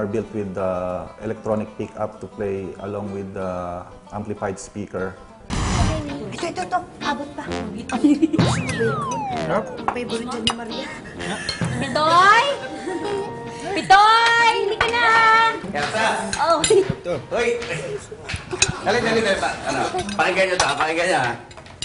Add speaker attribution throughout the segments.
Speaker 1: built with electronic pickup to play along with the amplified speaker.
Speaker 2: Ito. Abot pa. Favorite yan ni Maria.
Speaker 3: Pitoy! Pitoy! Hindi ka na!
Speaker 4: Kersa!
Speaker 3: Oh.
Speaker 4: Hoy! Dali. Ano? Pakinggan nyo to, pakinggan nyo ha.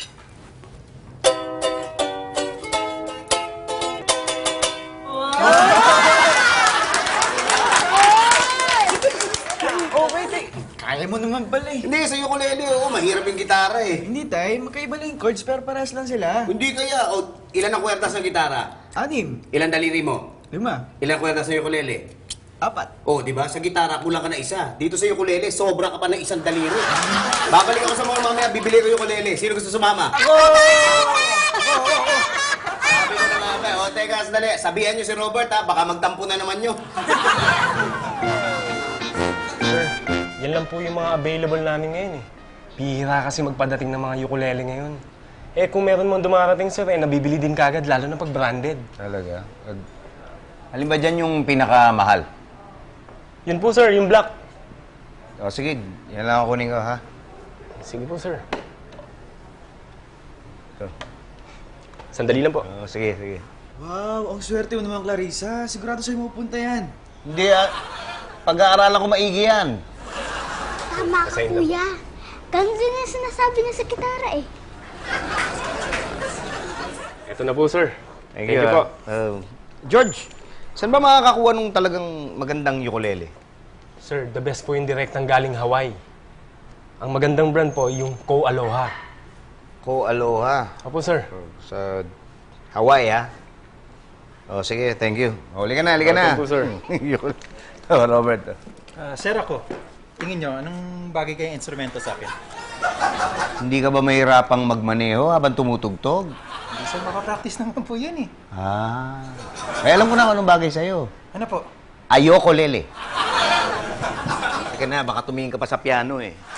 Speaker 5: Kaya mo naman pala eh.
Speaker 4: Hindi, sa ukulele, oo. Mahirap yung gitara eh.
Speaker 5: Hindi, tay. Magkaiba lang yung chords pero parehas lang sila.
Speaker 4: Hindi kaya. O, ilan ang kwertas ng gitara?
Speaker 5: 6.
Speaker 4: Ilan daliri mo?
Speaker 5: 5.
Speaker 4: Ilan kwertas sa ukulele?
Speaker 5: 4.
Speaker 4: Oh, di ba? Sa gitara, kulang ka na isa. Dito sa ukulele, sobra ka pa ng isang daliri. Babalik ako sa mga mamaya, bibili ko yung ukulele. Sino gusto sumama? Ako! Sabi ko na mamaya. O, teka, sandali. Sabihan nyo si Robert, ha? Baka magtampo na naman nyo.
Speaker 6: Sir, yan lang po yung mga available namin ngayon eh. Bihira kasi magpadating ng mga ukulele ngayon. Eh kung meron mong dumarating sir, eh nabibili din kagad, lalo na pag branded.
Speaker 7: Talaga? Alin ba dyan yung pinakamahal?
Speaker 6: Yun po sir, yung black.
Speaker 7: O sige, yan lang ako kunin ko, ha?
Speaker 6: Sige po sir.
Speaker 7: Ito.
Speaker 6: Sandali lang po.
Speaker 7: O, sige.
Speaker 5: Wow, ang swerte mo naman, Clarissa. Sigurado sa'yo mapupunta yan.
Speaker 7: Hindi, pag-aaralan ko maigi yan.
Speaker 3: Tama ka, kuya. Ganun din yung sinasabi niya sa gitara eh.
Speaker 6: Ito na po sir.
Speaker 7: Thank you
Speaker 6: po.
Speaker 7: George, saan ba makakakuha nung talagang magandang ukulele?
Speaker 6: Sir, the best po yung direktang galing Hawaii. Ang magandang brand po, yung Ko Aloha.
Speaker 7: Ko Aloha.
Speaker 6: Opo sir.
Speaker 7: Sa Hawaii, ha? O, sige, thank you. Huli ka na.
Speaker 6: Welcome po, sir.
Speaker 7: Robert.
Speaker 8: Sir ako, tingin nyo, anong bagay kayong instrumento sa akin?
Speaker 7: Hindi ka ba mahirapang magmaneho habang tumutugtog?
Speaker 8: Hindi sir, makapractice naman po yan eh.
Speaker 7: Ay, alam ko na kung anong bagay sa'yo.
Speaker 8: Ano po?
Speaker 7: Ayoko lele. Teka na, baka tumingin ka pa sa piano eh.